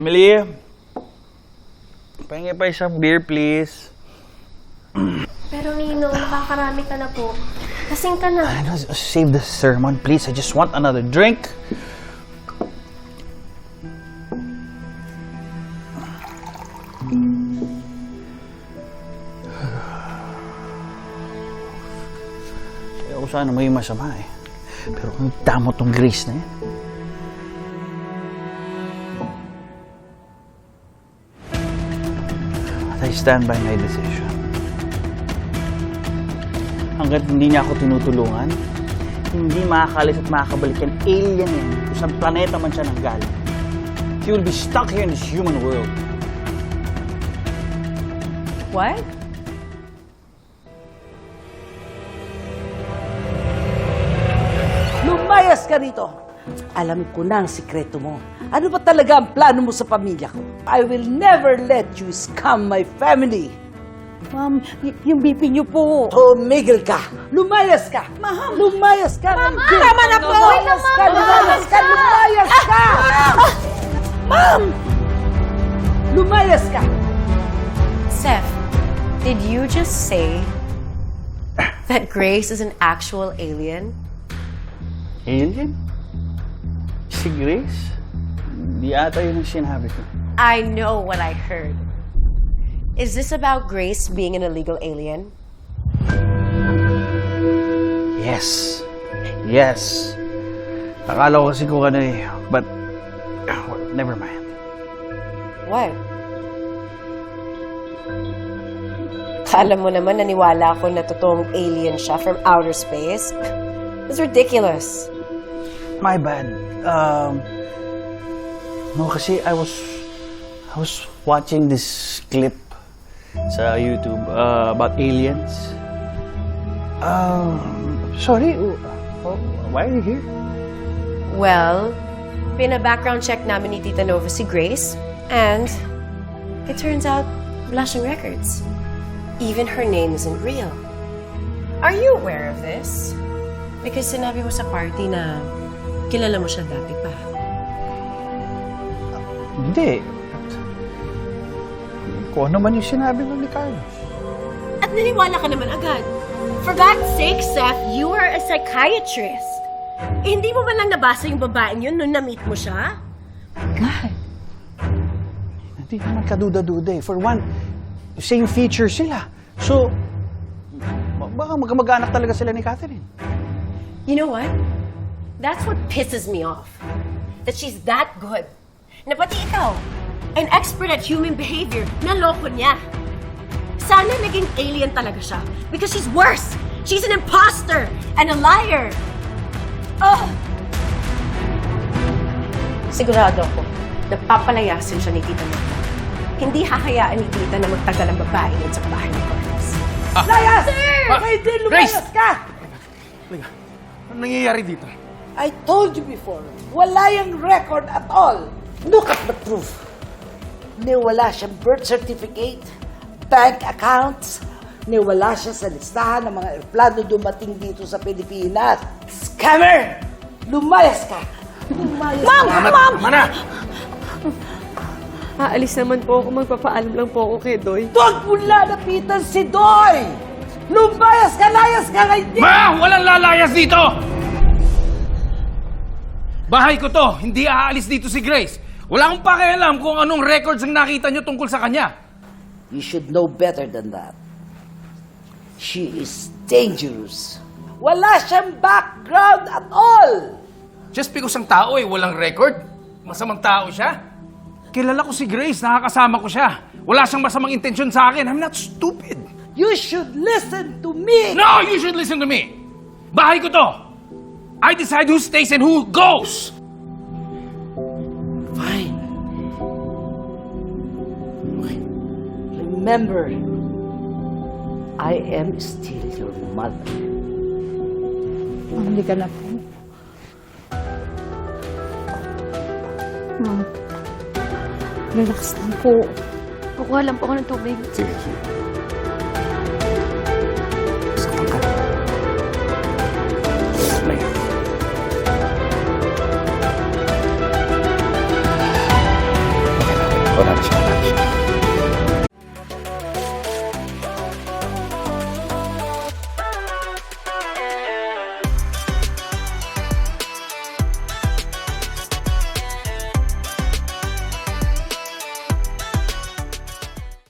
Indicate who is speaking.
Speaker 1: Emily, pahingi pa isang beer, please.
Speaker 2: Pero Ninong, nakakarami ka na po. Kasing ka na.
Speaker 1: Save the sermon, please. I just want another drink. Ayaw ko sana may masama eh. Pero ang damo tong Grace na yan. I stand by my decision. Hanggat hindi niya ako tinutulungan, hindi makakalis at makakabalik yan alien yan kung saan planeta man siya nanggaling. He will be stuck here in this human world.
Speaker 3: What?
Speaker 4: Lumayas ka rito! Alam ko na ang sikreto mo. Ano ba talaga ang plano mo sa pamilya ko? I will never let you scam my family.
Speaker 3: Ma'am, yung BP niyo po.
Speaker 4: Tumigil ka! Lumayas ka! Ma'am! Lumayas ka!
Speaker 3: Mama! Tama na po!
Speaker 4: Lumayas ka! Lumayas ka! Lumayas ka!
Speaker 3: Ma'am!
Speaker 4: Lumayas ka!
Speaker 2: Seth, did you just say that Grace is an actual alien?
Speaker 1: Alien? Si Grace? Di ata yun ang sinabi ko.
Speaker 2: I know what I heard. Is this about Grace being an illegal alien?
Speaker 1: Yes. Yes. Akala ko kasi kung ano eh. But, well, never mind.
Speaker 2: What? Kala mo naman naniwala ako na totoong alien siya from outer space? It's ridiculous.
Speaker 1: My bad. No, kasi I was watching this clip sa YouTube about aliens. Sorry, why are you here?
Speaker 2: Well, pina-background check namin ni Tita Nova si Grace, and it turns out wala siyang records. Even her name isn't real. Are you aware of this? Because sinabi mo sa party na kilala mo siya dati pa.
Speaker 1: Hindi. Kung ano man yung sinabi mo ni Carlos.
Speaker 2: At naniwala ka naman agad. For God's sake, Seth, you are a psychiatrist. Eh, hindi mo man lang nabasa yung babaeng yun nung na-meet mo siya?
Speaker 3: God.
Speaker 1: Hindi naman kaduda-duda eh. For one, same feature sila. So, baka magkamag-anak talaga sila ni Catherine.
Speaker 2: You know what? That's what pisses me off. That she's that good. Na pati ikaw, an expert at human behavior, naloko niya. Sana naging alien talaga siya. Because she's worse. She's an imposter and a liar. Oh! Sigurado ako, napapalayasin siya ni Tita Nova. Hindi hahayaan ni Tita na magtagal ang babae yun sa bahay ni Carlos.
Speaker 4: Layas! Pwede lumayas ka!
Speaker 5: Ano nangyayari dito?
Speaker 4: I told you before, wala yung record at all. Look at the proof. Wala siyang birth certificate, bank accounts, wala siya sa listahan ng mga eroplano dumating dito sa Pilipinas. Scammer! Lumayas ka! Lumayas
Speaker 3: Ma'am!
Speaker 4: ka!
Speaker 3: Ma'am!
Speaker 5: Mana!
Speaker 3: Aalis naman po ako. Magpapaalam lang po ako kay Doy.
Speaker 4: Huwag mo lalapitan si Doy! Lumayas ka! Layas ka ngayon!
Speaker 5: Ma! Walang lalayas dito! Bahay ko to. Hindi aalis dito si Grace. Wala akong pakialam kung anong records ang nakita nyo tungkol sa kanya.
Speaker 4: You should know better than that. She is dangerous. Wala siyang background at all!
Speaker 5: Just because ang tao ay walang record, masamang tao siya. Kilala ko si Grace, nakakasama ko siya. Wala siyang masamang intensyon sa akin. I'm not stupid.
Speaker 4: You should listen to me!
Speaker 5: No, you should listen to me. Bahay ko to. I decide who stays and who goes.
Speaker 4: Fine. Okay. Remember, I am still your mother.
Speaker 3: Hindi ka na po. Ma'am, relax lang po.
Speaker 2: Kukuha lang po ako ng tubig.
Speaker 5: Sige.